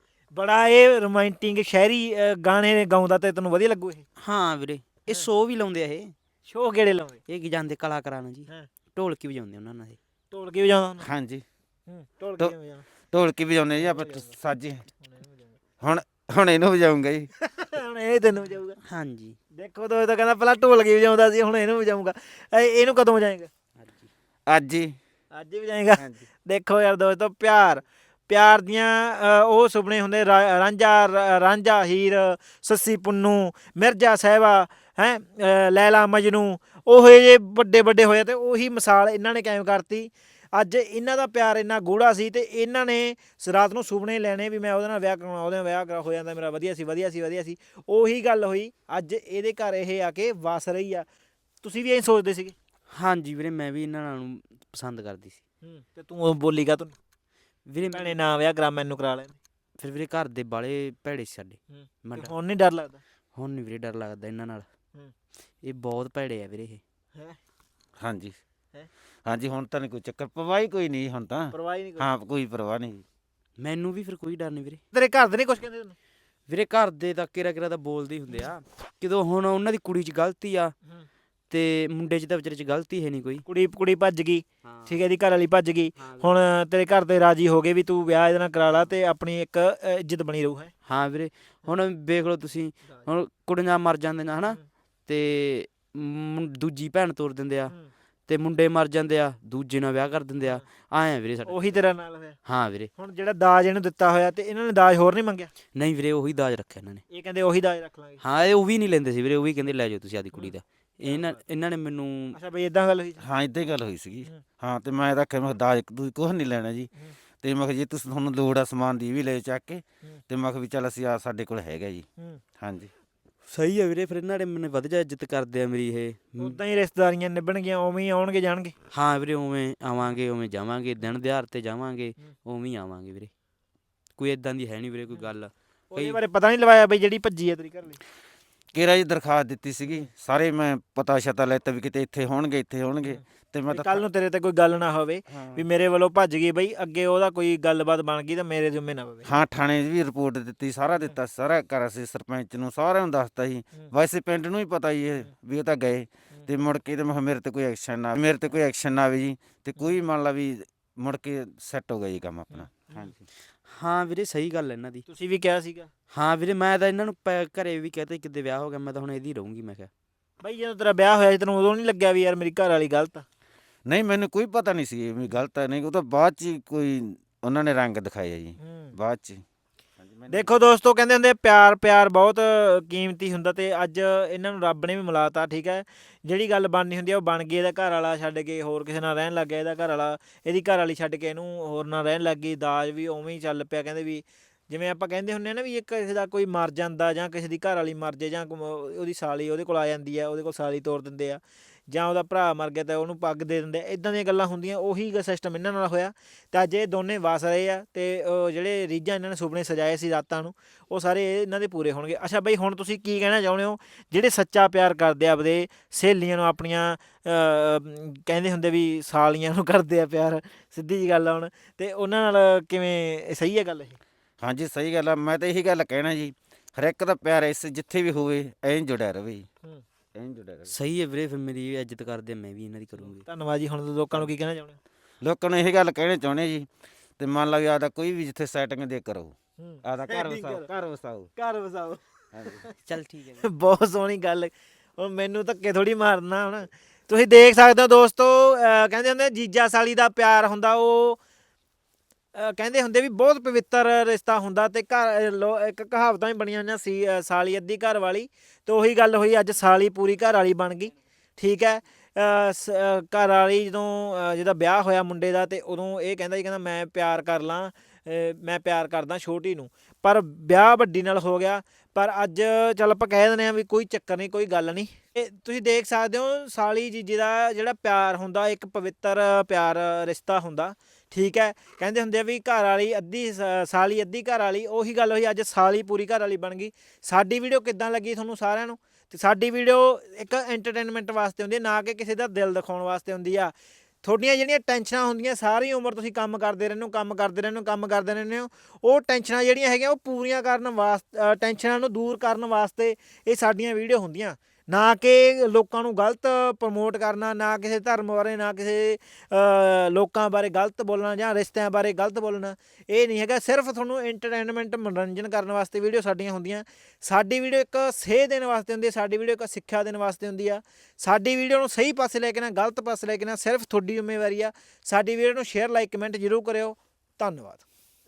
ਬੜਾ ਇਹ ਰੋਮਾਂਟਿਕ ਸ਼ਾਇਰੀ ਅ, ਗਾਣੇ ਗਾਉਂਦਾ, ਤੇ ਤੈਨੂੰ ਵਧੀਆ ਲੱਗੂ ਇਹ? ਹਾਂ ਵੀਰੇ, ਇਹ ਸ਼ੋਅ ਵੀ ਲਾਉਂਦੇ ਆ ਇਹ। ਸ਼ੋਅ ਕਿਹੜੇ ਲਾਉਂਦੇ? ਇਹ ਕੀ ਜਾਂਦੇ ਕਲਾਕਾਰਾਂ ਨੂੰ ਜੀ, ਹਾਂ। ਢੋਲਕੀ ਵਜਾਉਂਦੇ ਉਹਨਾਂ ਨਾਲ ਇਹ। ਢੋਲਕੀ ਵਜਾਉਂਦਾ ਹੁੰਦਾ? ਹਾਂਜੀ ਹੂੰ ਢੋਲਕੀ ਕਿਵੇਂ ਵਜਾਉਂਦਾ? ਢੋਲਕੀ ਵਜਾਉਂਦੇ ਜੀ ਆਪਾਂ ਸਾਜੀ। ਹੁਣ ਹੁਣ ਇਹਨੂੰ ਵਜਾਉਂਗਾ ਜੀ। ਹੁਣ ਇਹ ਤੈਨੂੰ ਵਜਾਊਗਾ। ਹਾਂਜੀ। ਦੇਖੋ ਤੋ ਇਹ ਤਾਂ ਕਹਿੰਦਾ ਪਹਿਲਾਂ ਢੋਲਕੀ ਵਜਾਉਂਦਾ ਸੀ, ਹੁਣ ਇਹਨੂੰ ਵਜਾਊਗਾ। ਇਹ- ਇਹਨੂੰ ਕਦੋਂ ਵਜਾਏਗਾ? ਅੱਜ ਹੀ। ਅੱਜ ਹੀ ਵਜਾਏਗਾ। ਹਾਂਜੀ। ਦੇਖੋ ਯਾਰ ਦੋਸਤੋ, ਪਿਆਰ ਪਿਆਰ ਦੀਆਂ ਅ, ਉਹ ਸੁਪਨੇ ਹੁੰਦੇ, ਰਾ- ਰਾਂਝਾ ਰ- ਰਾਂਝਾ ਹੀਰ, ਸੱਸੀ ਪੁੰਨੂ, ਮਿਰਜ਼ਾ ਸਾਹਿਬਾ, ਹੈ ਲੈਲਾ ਮਜਨੂ, ਉਹ ਜੇ ਵੱਡੇ ਵੱਡੇ ਹੋਏ ਤੇ ਉਹੀ ਮਿਸਾਲ ਇਹਨਾਂ ਨੇ ਕਾਇਮ ਕਰਤੀ। ਅੱਜ ਇਹਨਾਂ ਦਾ ਪਿਆਰ ਇੰਨਾ ਗੂੜਾ ਸੀ ਤੇ ਇਹਨਾਂ ਨੇ ਰਾਤ ਨੂੰ ਸੁਪਨੇ ਲੈਣੇ ਵੀ ਮੈਂ ਉਹਦੇ ਨਾਲ ਵਿਆਹ ਕਰਾਉਣਾ, ਉਹਦੇ ਨਾਲ ਵਿਆਹ ਕਰਾ ਹੋ ਜਾਂਦਾ ਮੇਰਾ, ਵਧੀਆ ਸੀ ਵਧੀਆ ਸੀ ਵਧੀਆ ਸੀ। ਉਹੀ ਗੱਲ ਹੋਈ, ਅੱਜ ਇਹਦੇ ਘਰ ਇਹ ਆ ਕੇ ਵਸ ਰਹੀ ਆ। ਤੁਸੀਂ ਵੀ ਐਂ ਸੋਚਦੇ ਸੀਗੇ? ਹਾਂਜੀ ਵੀਰੇ, ਮੈਂ ਵੀ ਇਹਨਾਂ ਨੂੰ ਪਸੰਦ ਕਰਦੀ ਸੀ। ਹੂੰ ਤੇ ਤੂੰ ਉਹ ਬੋਲੀ ਕਾ ਤੂੰ ਵੀਰੇ ਭੈਣੇ ਨਾ ਵਿਆਹ ਕਰਾ, ਮੈਨੂੰ ਕਰਾ ਲੈ। ਫਿਰ ਵੀਰੇ ਘਰ ਦੇ ਬਾਲੇ ਭੈੜੇ ਸੀ ਸਾਡੇ। ਹੂੰ ਮੈਂ ਤੇ ਡਰ- ਹੁਣ ਨਹੀਂ ਡਰ ਲੱਗਦਾ? ਹੁਣ ਨਹੀਂ ਵੀਰੇ ਡਰ ਲੱਗਦਾ ਇਹਨਾਂ ਨਾਲ। ਹੂੰ। ਇਹ ਬਹੁਤ ਭੈੜੇ ਆ ਵੀਰੇ ਇਹ। ਹੈ ਹਾਂਜੀ ਹੈਂ? ਹਾਂਜੀ ਹੁਣ ਤਾਂ ਨਹੀਂ ਕੋਈ ਚੱਕਰ, ਪਰਵਾਹ ਹੀ ਕੋਈ ਨਹੀਂ ਹੁਣ ਤਾਂ। ਪਰਵਾਹ ਹੀ ਨਹੀਂ ਕੋਈ? ਹਾਂ ਕੋਈ ਪਰਵਾਹ ਨਹੀਂ। ਮੈਨੂੰ ਵੀ ਫਿਰ ਕੋਈ ਡਰ ਨਹੀਂ ਵੀਰੇ। ਤੇਰੇ ਘਰ ਦੇ ਨਹੀਂ ਕੁਛ ਕਹਿੰਦੇ ਤੈਨੂੰ? ਵੀਰੇ ਘਰ ਦੇ ਤਾਂ ਕਿਰਾ ਕਿਰਾ ਤਾਂ ਬੋਲਦੇ ਹੀ ਹੁੰਦੇ ਆ, ਕਿਦੋਂ ਹੁਣ ਉਹਨਾਂ ਦੀ ਕੁੜੀ 'ਚ ਗਲਤੀ ਆ ਹੂੰ। ਤੇ ਮੁੰਡੇ 'ਚ ਤਾਂ ਵਿਚਾਰੇ 'ਚ ਗਲਤੀ ਹੈ ਨਹੀਂ ਕੋਈ। ਕੁੜੀ ਕੁੜੀ ਭੱਜ ਗਈ, ਹਾਂ ਠੀਕ ਹੈ, ਇਹਦੀ ਘਰ ਵਾਲੀ ਭੱਜ ਗਈ। ਹਾਂ ਵੀਰੇ। ਹੁਣ ਤੇਰੇ ਘਰ ਦੇ ਰਾਜੀ ਹੋ ਗਏ ਵੀ ਤੂੰ ਵਿਆਹ ਇਹਦੇ ਨਾਲ ਕਰਾ ਲਾ ਤੇ ਆਪਣੀ ਇੱਕ ਅ, ਇੱਜ਼ਤ ਬਣੀ ਰਹੂ। ਹੈ ਹਾਂ ਵੀਰੇ, ਹੁਣ ਵੇਖ ਲਓ ਤੁਸੀਂ, ਹੁਣ ਕੁੜੀਆਂ ਮਰ ਜਾਂਦੀਆਂ ਹਨਾ, ਹੂੰ। ਤੇ ਮੁੰ- ਦੂਜੀ ਭੈਣ ਤੋਰ ਦਿੰਦੇ ਆ, ਹੂੰ। ਤੇ ਮੁੰਡੇ ਮਰ ਜਾਂਦੇ ਆ, ਦੂਜੇ ਨਾਲ ਵਿਆਹ ਕਰ ਦਿੰਦੇ ਆ। ਆਏ ਆ ਵੀਰੇ ਸਾਡੇ। ਉਹੀ ਤੇਰਾ ਨਾਲ ਹੋਇਆ। ਹਾਂ ਵੀਰੇ। ਹੁਣ ਜਿਹੜਾ ਦਾਜ ਇਹਨੂੰ ਦਿੱਤਾ ਹੋਇਆ ਤੇ ਇਹਨਾਂ ਨੇ ਦਾਜ ਹੋਰ ਨਹੀਂ ਮੰਗਿਆ? ਨਹੀਂ ਵੀਰੇ, ਉਹੀ ਦਾਜ ਰੱਖਿਆ ਇਹਨਾਂ ਨੇ। ਇਹ ਕਹਿੰਦੇ ਉਹੀ ਦਾਜ ਰੱਖ ਲਾਂਗੇ। ਹਾਂ ਇਹ ਉਹ ਵੀ ਨਹੀਂ ਲੈਂਦੇ ਸੀ ਵੀਰੇ, ਉਹ ਵੀ ਕਹਿੰਦੇ ਲੈ ਜਾਓ ਤੁਸੀਂ ਆਦੀ ਕੁੜੀ ਦਾ। ਇਹਨਾਂ ਇਹਨਾਂ ਨੇ ਮੈਨੂੰ ਅੱਛਾ ਬਈ ਇਦਾਂ ਗੱਲ ਹੋਈ? ਹਾਂ ਇਦਾਂ ਹੀ ਗੱਲ ਹੋਈ ਸੀਗੀ। ਹੂੰ। ਹਾਂ ਤੇ ਮੈਂ ਤਾਂ ਆਖਿਆ ਮੈਂ ਕਿਹਾ ਦਾਜ ਤੁਸੀਂ ਕੁਛ ਨਹੀਂ ਲੈਣਾ ਜੀ। ਹੂੰ। ਤੇ ਮੈਂ ਕਿਹਾ ਜੇ ਤੁਸੀਂ ਤੁਹਾਨੂੰ ਲੋੜ ਆ ਸਮਾਨ ਦੀ ਵੀ ਲੈ ਚੱਕ ਕੇ, ਹੂੰ। ਤੇ ਮੈਂ ਕਿਹਾ ਵੀ ਚੱਲ ਅਸੀਂ ਆ ਸਾਡੇ ਕੋਲ ਹੈਗਾ ਜੀ। ਹੂੰ। ਹਾਂਜੀ ਸਹੀ ਆ ਵੀਰੇ, ਫਿਰ ਇਹਨਾਂ ਨੇ ਮੈਨੂੰ ਵਧੀਆ ਇੱਜ਼ਤ ਕਰਦੇ ਆ ਮੇਰੀ ਇਹ। ਉਦਾਂ ਹੀ ਰਿਸ਼ਤੇਦਾਰੀਆਂ ਨਿਭਣਗੀਆਂ, ਉਵੇਂ ਹੀ ਆਉਣਗੇ ਜਾਣਗੇ। ਹਾਂ ਵੀਰੇ, ਉਵੇਂ ਆਵਾਂਗੇ ਉਵੇਂ ਜਾਵਾਂਗੇ, ਦਿਨ ਦਿਹਾੜ ਤੇ ਜਾਵਾਂਗੇ ਹੂੰ। ਉਵੇਂ ਹੀ ਆਵਾਂਗੇ ਵੀਰੇ। ਕੋਈ ਇਦਾਂ ਦੀ ਹੈ ਨਹੀਂ ਵੀਰੇ ਕੋਈ ਗੱਲ। ਉਹਦੇ ਕਈ- ਬਾਰੇ ਪਤਾ ਨਹੀਂ ਲਵਾਇਆ ਬਈ ਜਿਹੜੀ ਭੱਜੀ ਹੈ ਤੇਰੀ ਘਰ ਵਾਲੀ? ਕਿਹੜਾ ਜੀ ਦਰਖਾਸਤ ਦਿੱਤੀ ਸੀਗੀ, ਸਾਰੇ ਮੈਂ ਪਤਾ ਸ਼ਤਾ ਲੈਤਾ ਵੀ ਕਿਤੇ ਇੱਥੇ ਹੋਣਗੇ ਇੱਥੇ ਹੋਣਗੇ। ਤੇ ਮੈਂ ਤਾਂ ਕੱਲ ਨੂੰ ਤੇਰੇ ਤੇ ਕੋਈ ਗੱਲ ਨਾ ਹੋਵੇ ਹਾਂ। ਵੀ ਮੇਰੇ ਵੱਲੋਂ ਭੱਜ ਗਈ ਬਈ, ਅੱਗੇ ਉਹਦਾ ਕੋਈ ਗੱਲਬਾਤ ਬਣ ਗਈ ਤਾਂ ਮੇਰੇ ਜ਼ਿੰਮੇ ਨਾ ਪਵੇ। ਹਾਂ ਥਾਣੇ 'ਚ ਵੀ ਰਿਪੋਰਟ ਦਿੱਤੀ, ਸਾਰਾ ਦਿੱਤਾ, ਸਾਰਾ ਕਰ ਸੀ ਸਰਪੰਚ ਨੂੰ, ਸਾਰਿਆਂ ਨੂੰ ਦੱਸਤਾ ਸੀ। ਹੂੰ। ਵੈਸੇ ਪਿੰਡ ਨੂੰ ਹੀ ਪਤਾ ਜੀ ਇਹ ਵੀ ਉਹ ਤਾਂ ਗਏ। ਤੇ ਮੁੜ ਕੇ ਤੇ ਮੈਂ ਕਿਹਾ ਮੇਰੇ ਤੇ ਕੋਈ ਐਕਸ਼ਨ ਨਾ ਮੇਰੇ ਤੇ ਕੋਈ ਐਕਸ਼ਨ ਨਾ ਆਵੇ ਜੀ, ਤੇ ਕੋਈ ਮੰਨ ਲਾ ਵੀ ਮੁੜ ਕੇ ਸੈੱਟ ਹੋ ਗਿਆ ਜੀ ਕੰਮ ਆਪਣਾ। ਹਾਂਜੀ ਹਾਂ ਵੀਰੇ, ਸਹੀ ਗੱਲ ਹੈ ਇਹਨਾਂ ਦੀ। ਤੁਸੀਂ ਵੀ ਕਿਹਾ ਸੀਗਾ ਹਾਂ ਵੀਰੇ, ਮੈਂ ਤਾਂ ਇਹਨਾਂ ਨੂੰ ਪੈ- ਘਰੇ ਵੀ ਕਹਤੇ ਕਿਤੇ ਵਿਆਹ ਹੋ ਗਿਆ, ਮੈਂ ਤਾਂ ਹੁਣ ਇਹਦੀ ਰਹੂੰਗੀ। ਮੈਂ ਕਿਹਾ ਬਈ ਜਦੋਂ ਤੇਰਾ ਵਿਆਹ ਹੋਇਆ ਸੀ ਤੈਨੂੰ ਉਦੋਂ ਨਹੀਂ ਲੱਗਿਆ ਵੀ ਯਾਰ ਮੇਰੀ ਘਰ ਵਾਲੀ ਗਲਤ ਆ? ਨਹੀਂ ਮੈਨੂੰ ਕੋਈ ਪਤਾ ਨਹੀਂ ਸੀ ਵੀ ਗਲਤ ਹੈ ਨਹੀਂ, ਉਹ ਤਾਂ ਬਾਅਦ 'ਚ ਹੀ ਕੋਈ ਉਹਨਾਂ ਨੇ ਰੰਗ ਦਿਖਾਇਆ ਜੀ ਬਾਅਦ 'ਚ। ਹਾਂਜੀ ਮੈਨੂੰ- ਦੇਖੋ ਦੋਸਤੋ, ਕਹਿੰਦੇ ਹੁੰਦੇ ਪਿਆਰ ਪਿਆਰ ਬਹੁਤ ਕੀਮਤੀ ਹੁੰਦਾ ਤੇ ਅੱਜ ਇਹਨਾਂ ਨੂੰ ਰੱਬ ਨੇ ਵੀ ਮਿਲਾਤਾ। ਠੀਕ ਹੈ, ਜਿਹੜੀ ਗੱਲ ਬਣਨੀ ਹੁੰਦੀ ਆ ਉਹ ਬਣ ਗਈ। ਇਹਦਾ ਘਰ ਵਾਲਾ ਛੱਡ ਕੇ ਹੋਰ ਕਿਸੇ ਨਾਲ ਰਹਿਣ ਲੱਗ ਗਿਆ, ਇਹਦਾ ਘਰ ਵਾਲਾ ਇਹਦੀ ਘਰ ਵਾਲੀ ਛੱਡ ਕੇ ਇਹਨੂੰ ਹੋਰ ਨਾਲ ਰਹਿਣ ਲੱਗ ਗਈ। ਦਾਜ ਵੀ ਉਵੇਂ ਹੀ ਚੱਲ ਪਿਆ। ਕਹਿੰਦੇ ਵੀ ਜਿਵੇਂ ਆਪਾਂ ਕਹਿੰਦੇ ਹੁੰਦੇ ਆ ਨਾ ਵੀ ਇੱਕ ਕਿਸੇ ਦਾ ਕੋਈ ਮਰ ਜਾਂਦਾ ਜਾਂ ਕਿਸੇ ਦੀ ਘਰ ਵਾਲੀ ਮਰ ਜੇ ਜਾਂ ਕੋਈ ਉਹਦੀ ਸਾਲੀ ਉਹਦੇ ਕੋਲ ਆ ਜਾਂਦੀ ਆ, ਉਹਦੇ ਕੋਲ ਸਾਲੀ ਤੋਰ ਦਿੰਦੇ ਆ, ਜਾਂ ਉਹਦਾ ਭਰਾ ਮਰ ਗਿਆ ਤਾਂ ਉਹਨੂੰ ਪੱਗ ਦੇ ਦਿੰਦੇ ਆ, ਇੱਦਾਂ ਦੀਆਂ ਗੱਲਾਂ ਹੁੰਦੀਆਂ। ਉਹੀ ਸਿਸਟਮ ਇਹਨਾਂ ਨਾਲ ਹੋਇਆ ਤੇ ਅੱਜ ਇਹ ਦੋਨੇ ਵਸ ਰਹੇ ਆ ਤੇ ਉਹ ਜਿਹੜੇ ਰੀਝਾਂ ਇਹਨਾਂ ਨੇ ਸੁਪਨੇ ਸਜਾਏ ਸੀ ਰਾਤਾਂ ਨੂੰ, ਉਹ ਸਾਰੇ ਇਹਨਾਂ ਦੇ ਪੂਰੇ ਹੋਣਗੇ। ਅੱਛਾ ਬਈ, ਹੁਣ ਤੁਸੀਂ ਕੀ ਕਹਿਣਾ ਚਾਹੁੰਦੇ ਹੋ ਜਿਹੜੇ ਸੱਚਾ ਪਿਆਰ ਕਰਦੇ ਆ ਆਪਦੇ ਸਹੇਲੀਆਂ ਨੂੰ, ਆਪਣੀਆਂ ਕਹਿੰਦੇ ਹੁੰਦੇ ਵੀ ਸਾਲੀਆਂ ਨੂੰ ਕਰਦੇ ਆ ਪਿਆਰ, ਸਿੱਧੀ ਜੀ ਗੱਲ ਆ ਹੁਣ, ਤੇ ਉਹਨਾਂ ਨਾਲ ਕਿਵੇਂ ਸਹੀ ਹੈ ਗੱਲ ਇਹ? ਹਾਂਜੀ ਸਹੀ ਗੱਲ ਆ, ਮੈਂ ਤਾਂ ਇਹੀ ਗੱਲ ਕਹਿਣਾ ਜੀ, ਹਰ ਇੱਕ ਦਾ ਪਿਆਰ ਇਸ ਜਿੱਥੇ ਵੀ ਹੋਵੇ ਐਂ ਜੁੜਿਆ ਰਵੇ ਜੀ, ਹੂੰ। ਐਂ ਜੁੜਿਆ ਰਵੇ। ਸਹੀ ਹੈ ਵੀਰੇ, ਫਿਰ ਮੇਰੀ ਇੱਜ਼ਤ ਕਰਦੇ ਆ, ਮੈਂ ਵੀ ਇਹਨਾਂ ਦੀ ਕਰੂੰਗੀ। ਧੰਨਵਾਦ ਜੀ। ਹੁਣ ਲੋਕਾਂ ਨੂੰ ਕੀ ਕਹਿਣਾ ਚਾਹੁੰਦੇ ਹੋ? ਲੋਕਾਂ ਨੂੰ ਇਹ ਗੱਲ ਕਹਿਣੀ ਚਾਹੁੰਦੇ ਜੀ, ਤੇ ਮੰਨ ਲਾ ਵੀ ਆਦਾ ਕੋਈ ਵੀ ਜਿੱਥੇ ਸੈਟਿੰਗ ਦੇ ਕਰੋ, ਹੂੰ। ਆਦਾ ਘਰ Setting ਵਸਾਓ, ਕਰੋ। ਘਰ ਵਸਾਓ। ਘਰ ਵਸਾਓ। ਹਾਂਜੀ ਚੱਲ ਠੀਕ ਹੈ। ਬਹੁਤ ਸੋਹਣੀ ਗੱਲ। ਹੁਣ ਮੈਨੂੰ ਧੱਕੇ ਥੋੜੀ ਮਾਰਨਾ। ਹੁਣ ਤੁਸੀਂ ਦੇਖ ਸਕਦੇ ਹੋ ਦੋਸਤੋ, ਅਹ ਕਹਿੰਦੇ ਹੁੰਦੇ ਜੀਜਾ ਸਾਲੀ ਦਾ ਪਿਆਰ ਹੁੰਦਾ, ਉਹ ਅਹ ਕਹਿੰਦੇ ਹੁੰਦੇ ਵੀ ਬਹੁਤ ਪਵਿੱਤਰ ਰਿਸ਼ਤਾ ਹੁੰਦਾ। ਤੇ ਘਰ ਲੋ ਇੱਕ ਕਹਾਵਤਾਂ ਵੀ ਬਣੀਆਂ ਹੋਈਆਂ ਸੀ, ਅਹ ਸਾਲੀ ਅੱਧੀ ਘਰ ਵਾਲੀ। ਤੇ ਉਹੀ ਗੱਲ ਹੋਈ, ਅੱਜ ਸਾਲੀ ਪੂਰੀ ਘਰ ਵਾਲੀ ਬਣ ਗਈ। ਠੀਕ ਹੈ, ਅਹ ਸ- ਅਹ ਘਰ ਵਾਲੀ ਜਦੋਂ ਅਹ ਜਿਹਦਾ ਵਿਆਹ ਹੋਇਆ ਮੁੰਡੇ ਦਾ, ਤੇ ਉਦੋਂ ਇਹ ਕਹਿੰਦਾ ਜੀ, ਕਹਿੰਦਾ ਮੈਂ ਪਿਆਰ ਕਰ ਲਾਂ, ਅਹ ਮੈਂ ਪਿਆਰ ਕਰਦਾ ਛੋਟੀ ਨੂੰ, ਪਰ ਵਿਆਹ ਵੱਡੀ ਨਾਲ ਹੋ ਗਿਆ। ਪਰ ਅੱਜ ਚੱਲ ਆਪਾਂ ਕਹਿ ਦਿੰਦੇ ਹਾਂ ਵੀ ਕੋਈ ਚੱਕਰ ਨਹੀਂ, ਕੋਈ ਗੱਲ ਨਹੀਂ। ਇਹ ਤੁਸੀਂ ਦੇਖ ਸਕਦੇ ਹੋ, ਸਾਲੀ ਜੀਜੇ ਦਾ ਜਿਹੜਾ ਪਿਆਰ ਹੁੰਦਾ, ਇੱਕ ਪਵਿੱਤਰ ਪਿਆਰ ਰਿਸ਼ਤਾ ਹੁੰਦਾ। ਠੀਕ ਹੈ, ਕਹਿੰਦੇ ਹੁੰਦੇ ਆ ਵੀ ਘਰ ਵਾਲੀ ਅੱਧੀ ਸ- ਸਾਲੀ ਅੱਧੀ ਘਰ ਵਾਲੀ। ਉਹੀ ਗੱਲ ਹੋਈ, ਅੱਜ ਸਾਲੀ ਪੂਰੀ ਘਰ ਵਾਲੀ ਬਣ ਗਈ। ਸਾਡੀ ਵੀਡੀਓ ਕਿੱਦਾਂ ਲੱਗੀ ਤੁਹਾਨੂੰ ਸਾਰਿਆਂ ਨੂੰ? ਤੇ ਸਾਡੀ ਵੀਡੀਓ ਇੱਕ ਐਂਟਰਟੇਨਮੈਂਟ ਵਾਸਤੇ ਹੁੰਦੀ ਹੈ, ਨਾ ਕਿ ਕਿਸੇ ਦਾ ਦਿਲ ਦਿਖਾਉਣ ਵਾਸਤੇ ਹੁੰਦੀ ਆ। ਤੁਹਾਡੀਆਂ ਜਿਹੜੀਆਂ ਟੈਨਸ਼ਨਾਂ ਹੁੰਦੀਆਂ, ਸਾਰੀ ਉਮਰ ਤੁਸੀਂ ਕੰਮ ਕਰਦੇ ਰਹਿੰਦੇ ਹੋ, ਕੰਮ ਕਰਦੇ ਰਹਿੰਦੇ ਹੋ, ਕੰਮ ਕਰਦੇ ਰਹਿੰਦੇ ਹੋ, ਉਹ ਟੈਨਸ਼ਨਾਂ ਜਿਹੜੀਆਂ ਹੈਗੀਆਂ ਉਹ ਪੂਰੀਆਂ ਕਰਨ ਵਾਸਤੇ, ਟੈਨਸ਼ਨਾਂ ਨੂੰ ਦੂਰ ਕਰਨ ਵਾਸਤੇ ਇਹ ਸਾਡੀਆਂ ਵੀਡੀਓ ਹੁੰਦੀਆਂ। ਨਾ ਕਿ ਲੋਕਾਂ ਨੂੰ ਗਲਤ ਪ੍ਰਮੋਟ ਕਰਨਾ, ਨਾ ਕਿਸੇ ਧਰਮ ਬਾਰੇ, ਨਾ ਕਿਸੇ ਅ, ਲੋਕਾਂ ਬਾਰੇ ਗਲਤ ਬੋਲਣਾ ਜਾਂ ਰਿਸ਼ਤਿਆਂ ਬਾਰੇ ਗਲਤ ਬੋਲਣਾ। ਇਹ ਨਹੀਂ ਹੈਗਾ, ਸਿਰਫ ਤੁਹਾਨੂੰ ਐਂਟਰਟੇਨਮੈਂਟ ਮਨੋਰੰਜਨ ਕਰਨ ਵਾਸਤੇ ਵੀਡੀਓ ਸਾਡੀਆਂ ਹੁੰਦੀਆਂ। ਸਾਡੀ ਵੀਡੀਓ ਇੱਕ ਸੇਧ ਦੇਣ ਵਾਸਤੇ ਹੁੰਦੀ ਹੈ, ਸਾਡੀ ਵੀਡੀਓ ਇੱਕ ਸਿੱਖਿਆ ਦੇਣ ਵਾਸਤੇ ਹੁੰਦੀ ਆ। ਸਾਡੀ ਵੀਡੀਓ ਨੂੰ ਸਹੀ ਪਾਸੇ ਲੈ ਕੇ ਨਾ ਗਲਤ ਪਾਸੇ ਲੈ ਕੇ ਨਾ ਸਿਰਫ ਤੁਹਾਡੀ ਜ਼ਿੰਮੇਵਾਰੀ ਆ। ਸਾਡੀ ਵੀਡੀਓ ਨੂੰ ਸ਼ੇਅਰ, ਲਾਈਕ, ਕਮੈਂਟ ਜ਼ਰੂਰ ਕਰਿਓ। ਧੰਨਵਾਦ।